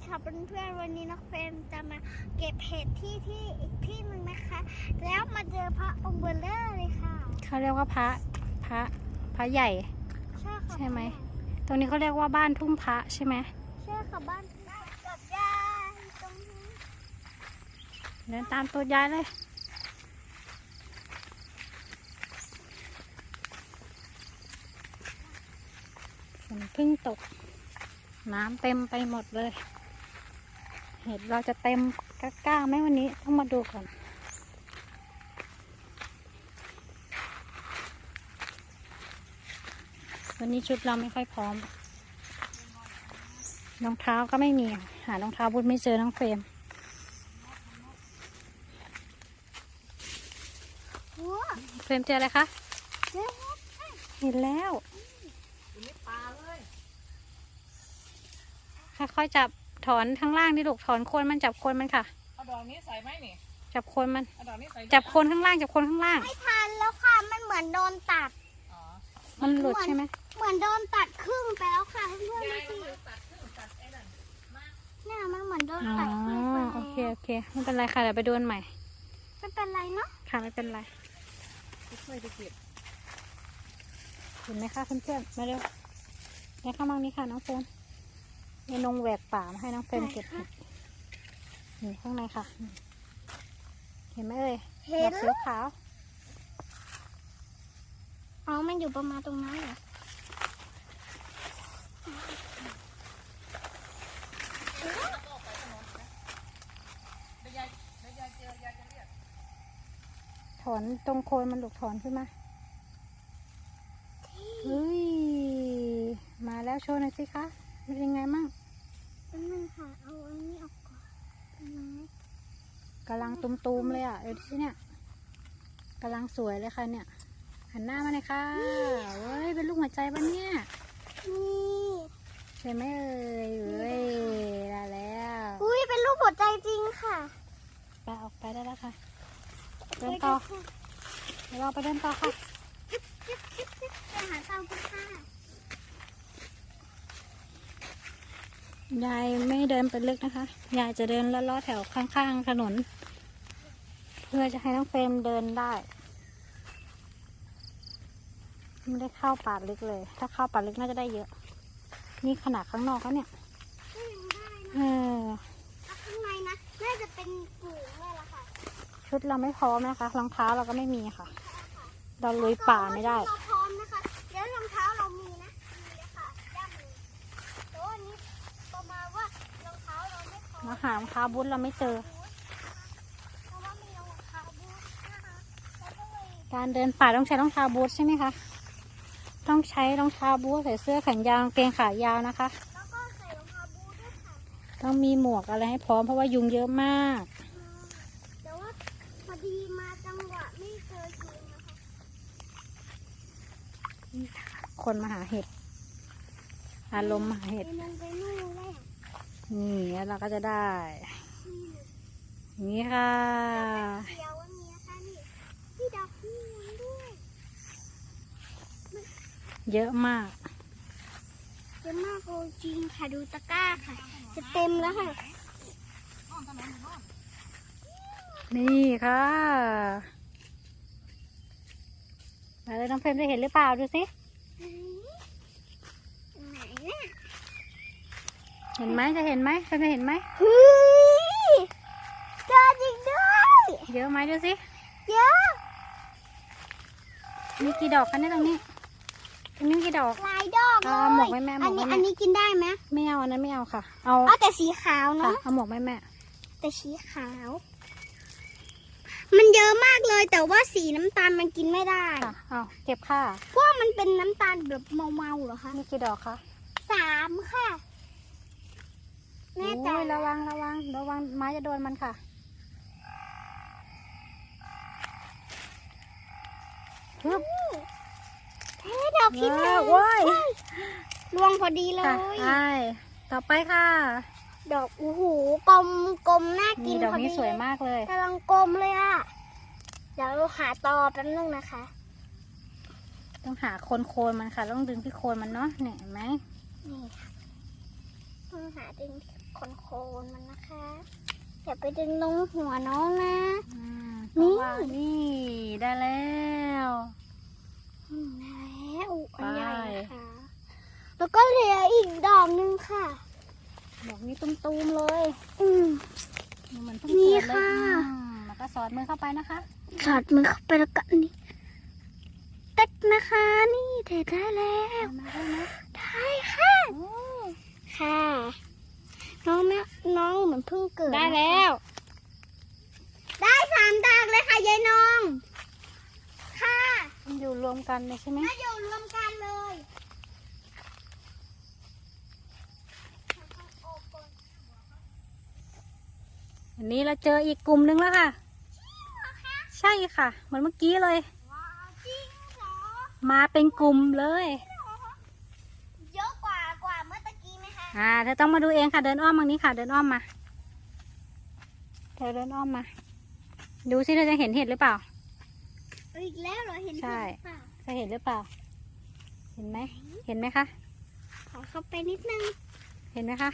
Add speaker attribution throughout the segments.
Speaker 1: ค่ะเพื่อนๆวันนี้น้องเฟรมจะมาเก็บเห็ดที่อีกที่หนึ่งนะคะ แล้วมาเจอพระองค์เบลเลอร์เลยค่ะ
Speaker 2: เขาเรียกว่าพระใหญ่
Speaker 1: ใช่ค่ะ
Speaker 2: ใช่ไหมตรงนี้เขาเรียกว่าบ้านทุ่งพระใช่ไหม
Speaker 1: ใช่ค่ะบ้านกับยายตรงนี้
Speaker 2: เดินตามตัวยายเลยฝนเพิ่งตกน้ำเต็มไปหมดเลยเห็ดเราจะเต็มก้าไหมวันนี้ต้องมาดูก่อนวันนี้ชุดเราไม่ค่อยพร้อมรองเท้าก็ไม่มีหารองเท้าบูทไม่เจอน้องเฟรมเฟรมเจออะไรคะเห็นแล้วค่อยๆจับถอนข้างล่างดิลูกถอนโคนมันจับโคนมันค่ะ
Speaker 3: เอาดอกนี้ใส่ไหมนี่
Speaker 2: จับโคนมัน
Speaker 3: เอาดอกนี้ใส่
Speaker 2: จับโคนข้างล่างจับโคนข้างล่าง
Speaker 1: ไม่ทันแล้วค่ะมันเหมือนโดนตัด
Speaker 2: มันหลุดใช่ไหม
Speaker 1: เหมือนโดนตัดครึ่งไปแล้วค่ะเพื่อนๆดูสิเนี่ยมันเหมือนโดนตัดครึ่งไปแล้ว
Speaker 2: โอเคไม่เป็นไรค่ะเดี๋ยวไปดูใหม่
Speaker 1: ไม่เป็นไรเนาะ
Speaker 2: ค่ะไม่เป็นไร
Speaker 3: ช่วยไปเก็บ
Speaker 2: เห็นไหมคะเพื่อนๆมาเร็วเนี่ยข้างล่างนี้ค่ะน้องเฟรมในนงแหวกป่ามาให้น้องเฟรมเก็บนี่ข้างในค่ะเห็นไหมเอ่ยดอกสีขาว
Speaker 1: อ๋อมันอยู่ประมาณตรงนั้นเหรอ
Speaker 2: ถอนตรงโคนมันหลุดถอนขึ้นมาเฮ้ยมาแล้วโชว์หน่อยสิคะเป็นยังไงมั่ง
Speaker 1: มันค่ะเอาอันนี้ออกก่อน
Speaker 2: กำลังตุมๆเลยอ่ะเดี๋ยวที่เนี่ยกำลังสวยเลยค่ะเนี่ยหันหน้ามาเลยค่ะเว้ยเป็นลูกหัวใจปะเนี่ย
Speaker 1: นี่
Speaker 2: ใช่ไหมเอ่ยเว้ยได้แล้ว
Speaker 1: อุ้ยเป็นรูปหัวใจจริงค่ะ
Speaker 2: ไปออกไปได้แล้วค่ะเดินต่อเดี๋ยวเราไปเดินต่อค่ะ
Speaker 1: ไปหาเตาค่ะ
Speaker 2: ยายไม่เดินไปลึกนะคะยายจะเดินล้อๆแถวข้างๆถนนเพื่อจะให้น้องเฟรมเดินได้ไม่ได้เข้าป่าลึกเลยถ้าเข้าป่าลึกน่าจะได้เยอะนี่ขนาดข้างนอกแล้วเนี่ย
Speaker 1: ข้างในนะน่าจะเป็นฝูงเลยล่ะค่ะ
Speaker 2: ชุดเราไม่พร้อมนะคะรองเท้าเราก็ไม่มีค่ะเราลุยป่าไม่ได้
Speaker 1: เราพร้อมนะคะเดี๋ยวรองเท้าเรามีนะมีเลยค่ะย่ำเลยแต่ว่านี้ประมาณว่ารองเท้าเราไม่พร้อม
Speaker 2: มาหารองเท้าบูทเราไม่เจอ
Speaker 1: เพราะว่ามีรองเท้าบูทนะคะ
Speaker 2: การเดินป่าต้องใช้รองเท้าบูทใช่ไหมคะต้องใช้รองเท้าบูทใส่เสื้อแขนยาวกางเกงขายาวนะคะ
Speaker 1: แล้วก็ใส่รองเท้าบูทด้วยค่ะ
Speaker 2: ต้องมีหมวกอะไรให้พร้อมเพราะว่ายุงเยอะมาก
Speaker 1: แต่ว่าพอดีมาจังหวะไม่เจอยุงนะคะ
Speaker 2: คนมาหาเห็ดอารมณ์มาหาเห็ดนี่แล้วเราก็จะได้นี่ค่ะ
Speaker 1: เขียวอันนี้ค่ะนี่ที่ดอกนี่ด้วย
Speaker 2: เยอะมาก
Speaker 1: เยอะมากจริงค่ะดูตะกร้าค่ะจะเต็มแล้วค่ะ
Speaker 2: นี่ค่ะมาเลยน้องเฟรมได้เห็นหรือเปล่าดูสิ
Speaker 1: ไหนเนี่ย
Speaker 2: เห็นไหมจะเห็นไหมจะเห็นไหม
Speaker 1: เฮ้ยเจอจริงด้วย
Speaker 2: เยอะไหมดูสิ
Speaker 1: เยอะ
Speaker 2: มีกี่ดอกกันเนี่ยตรงนี้กี่ดอก
Speaker 1: หลายดอกเลย
Speaker 2: หมวกแม่
Speaker 1: อันนี้กินได้ไหม
Speaker 2: ไม่เอาอันนั้นไม่เอาค่ะเอา
Speaker 1: แต่สีขาวเนาะ
Speaker 2: เอาหมวกแม่
Speaker 1: แต่สีขาวมันเยอะมากเลยแต่ว่าสีน้ำตาลมันกินไม่ได้
Speaker 2: ค่ะเอาเก็บค่ะ
Speaker 1: เพราะมันเป็นน้ำตาลแบบเมาๆเหรอคะ
Speaker 2: มีกี่ดอกคะ
Speaker 1: 3ค่ะแน่ใจ
Speaker 2: ระวังไม้จะโดนมันค่ะ
Speaker 1: ฮึบดอกที่1รวงพอดีเลย
Speaker 2: ใช่ต่อไปค่ะ
Speaker 1: ดอกโอ้โหกลมน่ากิน
Speaker 2: ดอกนี้สวยมากเลย
Speaker 1: กำลังกลมเลยอ่ะเดี๋ยวเราหาตอแป๊บนึงนะคะ
Speaker 2: ต้องหาโคนมันค่ะต้องดึงที่โคนมันเนาะเนี่ยเห็นไหม
Speaker 1: นี่ตหาดึงโคนมันนะคะอย่าไปดึงลงหัวน้องนะ
Speaker 2: นี่นี่ได้แล้ว
Speaker 1: แล้วอันใหญ่นะคะแล้วก็เหลืออีกดอกนึงค่ะ
Speaker 2: ดอกนี้ตุ้มๆเลย เหมือนเพิ่ง
Speaker 1: นี่
Speaker 2: เกิดเลย
Speaker 1: ค่ะ
Speaker 2: แล้วก็สอดมือเข้าไปนะคะ
Speaker 1: สอดมือเข้าไปแล้วก็นี่เต็กนะคะนี่เทได้แล้ว
Speaker 2: มาได้ไหม
Speaker 1: ได้ค่ะค่ะ น้องนะน้องเหมือนเพิ่งเกิด
Speaker 2: ได้แล้ว
Speaker 1: ได้3 ดอกเลยค่ะยายน้องค่ะ
Speaker 2: มันอยู่รวมกันเลยใช่ไหม
Speaker 1: มาอยู่รวมกันเลย
Speaker 2: อันนี้เราเจออีกกลุ่มนึงแล้วค่ะ ใช่ค่ะเหมือนเมื่อกี้เลย
Speaker 1: ว้าวจริงเหรอ
Speaker 2: มาเป็นกลุ่มเลย
Speaker 1: เยอะกว่าเมื่อตะกี้ไหมคะ
Speaker 2: เธอต้องมาดูเองค่ะ เดินอ้อมทางนี้ค่ะ เดินอ้อมมาเธอเดินอ้อมมา ดูสิเธอจะเห็นเห็ดหรือเปล่า
Speaker 1: อีกแล้วเหรอเห็น
Speaker 2: ใช่
Speaker 1: เปล่า
Speaker 2: เธอเห็นหรือเปล่า เห็นไหม เห็นไหมคะ
Speaker 1: ขอเข้าไปนิดนึง
Speaker 2: เห็นไหมคะ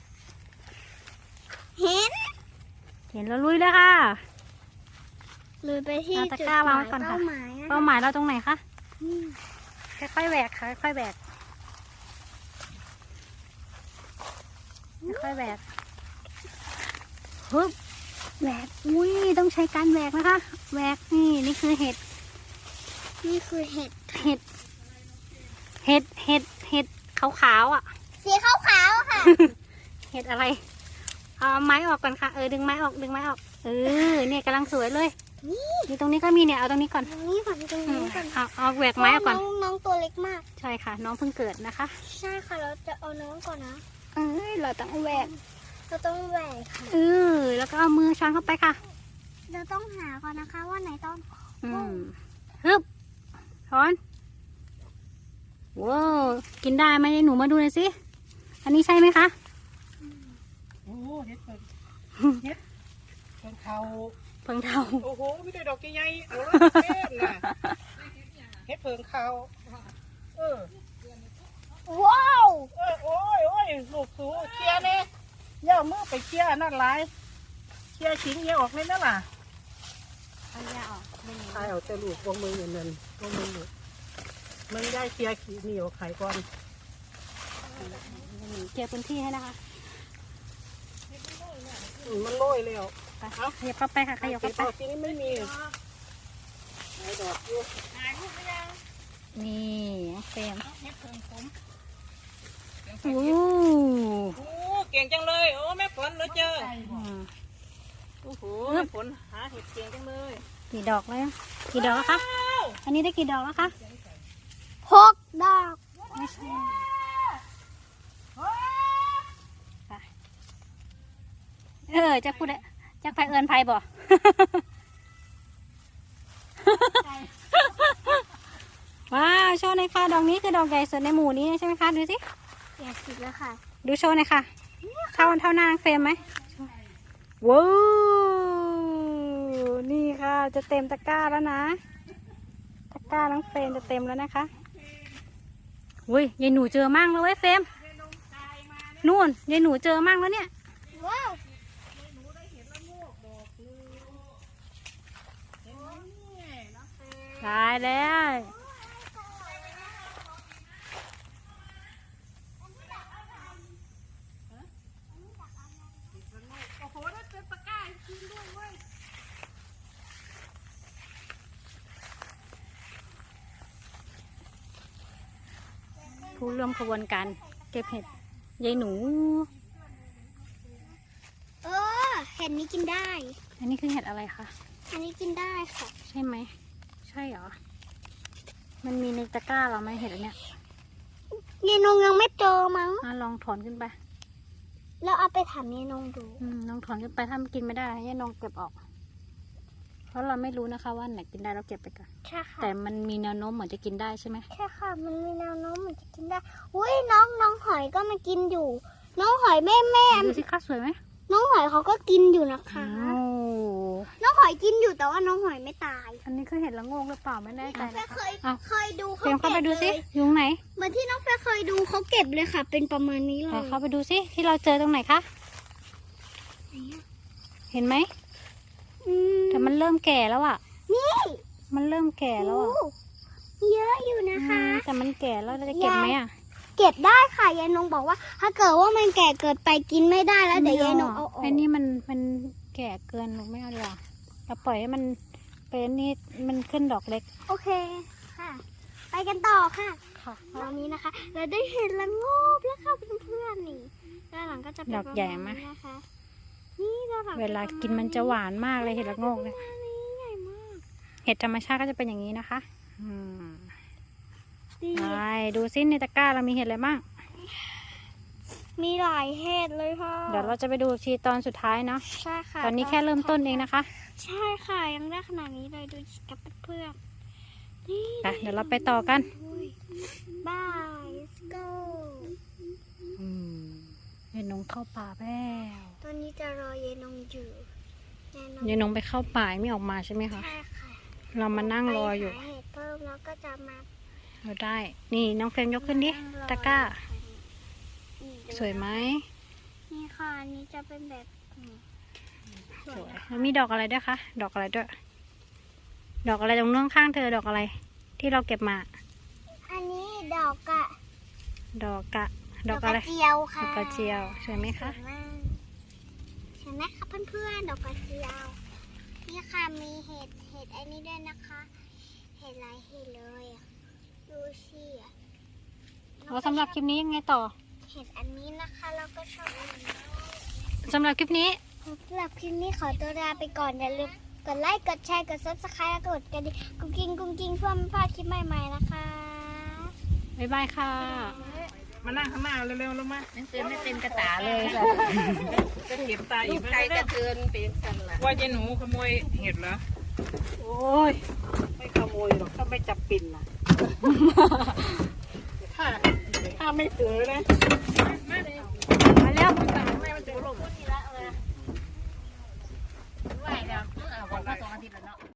Speaker 1: เห็น
Speaker 2: เห็นแล้วลุยเลยค่ะ
Speaker 1: เลยไปที่
Speaker 2: เอาตะ
Speaker 1: จุด
Speaker 2: กร้า
Speaker 1: ห
Speaker 2: วาง
Speaker 1: มาย
Speaker 2: ไว้ก่อนค่ะ
Speaker 1: เป้าหมายอะ
Speaker 2: เป้าหมายเราตรงไหนคะ
Speaker 1: นี่
Speaker 2: ค่อยๆแหวกค่ะค่อยๆแหวกค่อยๆแหวกฮึบแหวก อุ้ยต้องใช้การแหวกนะคะแหวกนี่คือเห็ด
Speaker 1: นี่คือเห็ด
Speaker 2: เห็ด เห็ด เห็ด เห็ดขาวๆอ่ะ
Speaker 1: สีขาวๆอะค่ะ
Speaker 2: เห็ดอะไร เอาไม้ออกก่อนค่ะ ดึงไม้ออก ดึงไม้ออก เนี่ยกำลังสวยเลย นี่ตรงนี้ก็มีเนี่ย เอาตรงนี้ก่อน
Speaker 1: ตรงนี้ก่อนตรงนี้ก่อน
Speaker 2: เอาแหวกไม้ออกก่อน
Speaker 1: น้องตัวเล็กมาก
Speaker 2: ใช่ค่ะ น้องเพิ่งเกิดนะคะ
Speaker 1: ใช่ค่ะเราจะเอาน้องก่อนนะ
Speaker 2: เราต้องแหวก
Speaker 1: เราต้องแหวกค่ะ
Speaker 2: แล้วก็เอามือช้อนเข้าไปค่ะ
Speaker 1: เราต้องหาก่อนนะคะว่าไหนต้น
Speaker 2: ฮึบช้อนว้าวกินได้ไหมหนูมาดูหน่อยสิ อันนี้ใช่ไหมคะ
Speaker 3: โอ้เฮ็ดเพิ่งเฮ็ดเพิ่งเขา
Speaker 2: เพิ่งเท่า
Speaker 3: โอ้โหมีแต่ดอกใหญ่ๆเอาละเต็มน่ะเฮ็ดเพิ่งเขาเออ
Speaker 1: ว้าว
Speaker 3: โอ้ยลูกสูเคลียร์เนี่ยย่ามือไปเคลียร์นั่นหลายเคลียร์ชิ้นเยอะออกเลยนั่นล่ะ
Speaker 2: เอายาออกไม่มี
Speaker 3: ใช่เอาแต่ลูกวงมืออย่างนั้นวงมือลูกมันได้เคลียร์ขี้เหนียวไข่ก่อน
Speaker 2: เกี่ยวพื้นที่ให้นะคะ
Speaker 3: มันโรยแล้ว
Speaker 2: ไปขยับเข้าไปค่ะขยับเข้าไป
Speaker 3: ทีนี้ไม่มีไอ้ดอกอยู่
Speaker 2: นี่เฟรม
Speaker 3: เฮ็ดเพิ่งผม
Speaker 2: โอ้
Speaker 3: โอ้เก่งจังเลยโอ้แม่ฝนเหลือเจอโอ้โหแม่ฝนหาเห็ดเก่งจังเลย
Speaker 2: กี่ดอกแล้วกี่ดอกแล้วคะ อันนี้ได้กี่ดอกแล้วคะ
Speaker 1: 6 ดอก
Speaker 2: ไม่ใช่จะพูดจะไปเอินไพบ่ ว้าวโชว์หน่อยค่ะดอกนี้คือดอกใหญ่สุดในหมู่นี้ใช่ไหมคะดูสิ
Speaker 1: อยากกินแล้วค่ะ
Speaker 2: ดูโชว์หน่อยค่ะเท่าหน้าเฟรมไหมว้าวนี่ค่ะจะเต็มตะกร้าแล้วนะตะกร้าน้องเฟรมจะเต็มแล้วนะคะอุ้ยยายหนูเจอมั่งแล้วเว้ยเฟรมนู่นยายหนูเจอมั่งแล้วเนี่ย
Speaker 1: ว้าว
Speaker 2: ตายแล้ว
Speaker 3: โอ้โหนั่นเป็นตะกร้าจริงด้วยเว้ย
Speaker 2: ผู้ร่วมขบวนการเก็บเห็ดยายหนู
Speaker 1: เห็ดนี้กินได้
Speaker 2: อันนี้คือเห็ดอะไรคะ
Speaker 1: อันนี้กินได้ค่ะ
Speaker 2: ใช่ไหมใช่เหรอมันมีในตะกร้าเราไหมเห็ดอันเนี้ย
Speaker 1: ยายนงยังไม่เจอมั้ง
Speaker 2: ลองถอนขึ้นไป
Speaker 1: แล้วเอาไปถามยายนงดู
Speaker 2: ลองถอนขึ้นไปถ้ามันกินไม่ได้ให้น้องเก็บออก เพราะเราไม่รู้นะคะว่าไหนกินได้เราเก็บไปก่อน
Speaker 1: ใช่ค่ะ
Speaker 2: แต่มันมีแนวโน้มเหมือนจะกินได้ใช่ไหม
Speaker 1: ใช่ค่ะ มันมีแนวโน้มเหมือนจะกินได้ อุ้ยน้องหอยก็มากินอยู่ น้องหอยแม่
Speaker 2: ดูสิคะสวยไหม
Speaker 1: น้องหอยเขาก็กินอยู่นะคะ
Speaker 2: อ้าว
Speaker 1: น้องหอยกินอยู่แต่ว่าน้องหอยไม่ตาย
Speaker 2: อันนี้คือเห็ดละโงกหรือเปล่าไม่แน่ใจ
Speaker 1: น้องเฟ
Speaker 2: นะ
Speaker 1: ย
Speaker 2: คะ
Speaker 1: เคย
Speaker 2: อ้าว
Speaker 1: เคยดู
Speaker 2: เฟรมเข้าไป
Speaker 1: เก็บ
Speaker 2: ดู
Speaker 1: เล
Speaker 2: สิ
Speaker 1: ย
Speaker 2: ยุงไหน
Speaker 1: เหมือนที่น้องเฟยเคยดูเขาเก็บเลยค่ะ เป็นประมาณนี้เล
Speaker 2: อ่ะ
Speaker 1: ย
Speaker 2: เข้าไปดูสิที่เราเจอตรงไหนคะ เห็นไหม
Speaker 1: อืม
Speaker 2: แต่มันเริ่มแก่แล้วอ่ะ
Speaker 1: นี่
Speaker 2: มันเริ่มแก่แล้วอ่ะ
Speaker 1: โอ้เยอะอยู่นะคะ
Speaker 2: แต่มันแก่แล้วเราจะเก็บไหมอ่ะ
Speaker 1: เก็บได้ค่ะยายนงบอกว่า ถ้าเกิดว่ามันแก่เกิดไปกินไม่ได้แล้วเดี๋ยวยายนงเอาออก
Speaker 2: ไอ้นี่มันแก่เกินหนูไม่เอาดีกว่าเราปล่อยให้มันเป็นนี่มันขึ้นดอกเล็ก
Speaker 1: โอเคค่ะ ไปกันต่อค่ะ
Speaker 2: ค่ะ
Speaker 1: ตอนนี้นะคะ เราได้เห็นละโงบแล้วค่ะเพื่อนๆนี่ด้านหลังก็จะเป็น
Speaker 2: ดอกใหญ่ไหม
Speaker 1: ประาณนี้นะคะนี่ด้านหลัง
Speaker 2: เวลากินมันจะหวานมากเลยเห็ดละโงกเนี่ย
Speaker 1: ประมาณนี้ใหญ่มาก
Speaker 2: เห็ดธรรมชาติก็จะเป็นอย่างนี้นะคะม
Speaker 1: ดี
Speaker 2: ไปดูซิในตะกร้าเรามีเห็ดอะไรบ้าง
Speaker 1: มีหลายเห็ดเลยค่ะ
Speaker 2: เดี๋ยวเราจะไปดูทีตอนสุดท้ายเนาะ
Speaker 1: ใช่ค่ะ
Speaker 2: ตอนนี้แค่เริ่มต้นเองนะคะ
Speaker 1: ใช่ค่ะยังได้ขนาดนี้เลยดูกับเพื่อนๆนี่
Speaker 2: ไปเดี๋ยวเราไปต่อกัน
Speaker 1: บาย let's go
Speaker 2: เยนงเข้าป่าแล้ว
Speaker 1: ตอนนี้จะรอเยนงอยู่เยนง
Speaker 2: เยนงไปเข้าป่าไม่ออกมาใช่ไหมคะ
Speaker 1: ใช่ค่ะ
Speaker 2: เรามานั่งรออยู่
Speaker 1: ไปหาเห็ดเพิ่มแล้วก็จะมา
Speaker 2: เราได้ นี่น้องเฟรมยกขึ้นดิ ตะกร้า
Speaker 1: นี่ดู
Speaker 2: สวยไหม
Speaker 1: นี่ค่ะอันนี้จะเป็นแบบนี้ส
Speaker 2: ส
Speaker 1: วย
Speaker 2: วย
Speaker 1: นะคะ
Speaker 2: แล้วมีดอกอะไรด้วยคะ ดอกอะไรด้วย ดอกอะไรตรงเนื้อข้างเธอ ดอกอะไร ที่เราเก็บมา
Speaker 1: อันนี้ดอกกะ
Speaker 2: ดอกอะไร
Speaker 1: เจียว
Speaker 2: ด
Speaker 1: ค่ะ
Speaker 2: อกกระเจียว สวยไหม
Speaker 1: ส
Speaker 2: คะ
Speaker 1: วยมากใช่ไหมคะเพื่อนๆดอกกระเจียว นี่ค่ะมีเห็ดอันนี้ด้วยนะคะ เห็ดหลายเห็ดเลยอะดูสิอะ
Speaker 2: แล้วสำหรับคลิปนี้ยังไงต่อ
Speaker 1: เห็ดอันนี้นะคะเราก็ชอบอันนี้
Speaker 2: สำหรับคลิปนี้
Speaker 1: สำหรับคลิปนี้ขอตัวลาไปก่อนอย่าลืมกดไลค์กดแชร์กด subscribe แล้วก็กดกระดิ่งกุ้งกิ้งเพื่อไม่พลาดคลิปใหม่ๆนะคะ
Speaker 2: บ๊ายบายค่ะ
Speaker 3: มานั่งข้างหน้าเร็วๆลงมา
Speaker 4: หนังสือไม่เต็มกระตาเลยแบบ
Speaker 3: จะเก็บตาอีก
Speaker 4: ใครกระเทือนเป็นกันล่ะ
Speaker 3: ว่าเจ๊หนูขโมยเห็ดเหรอ
Speaker 4: โอ้ย ไม่ขโมยหรอกถ้าไม่จับปิ่นนะถ้าไม่ถือนะ
Speaker 2: มาแล้ว
Speaker 4: ไม่มันจะลงนี่ละเลยไหวแล้วเอาก่อนมา2 อาทิตย์แล้วเนาะ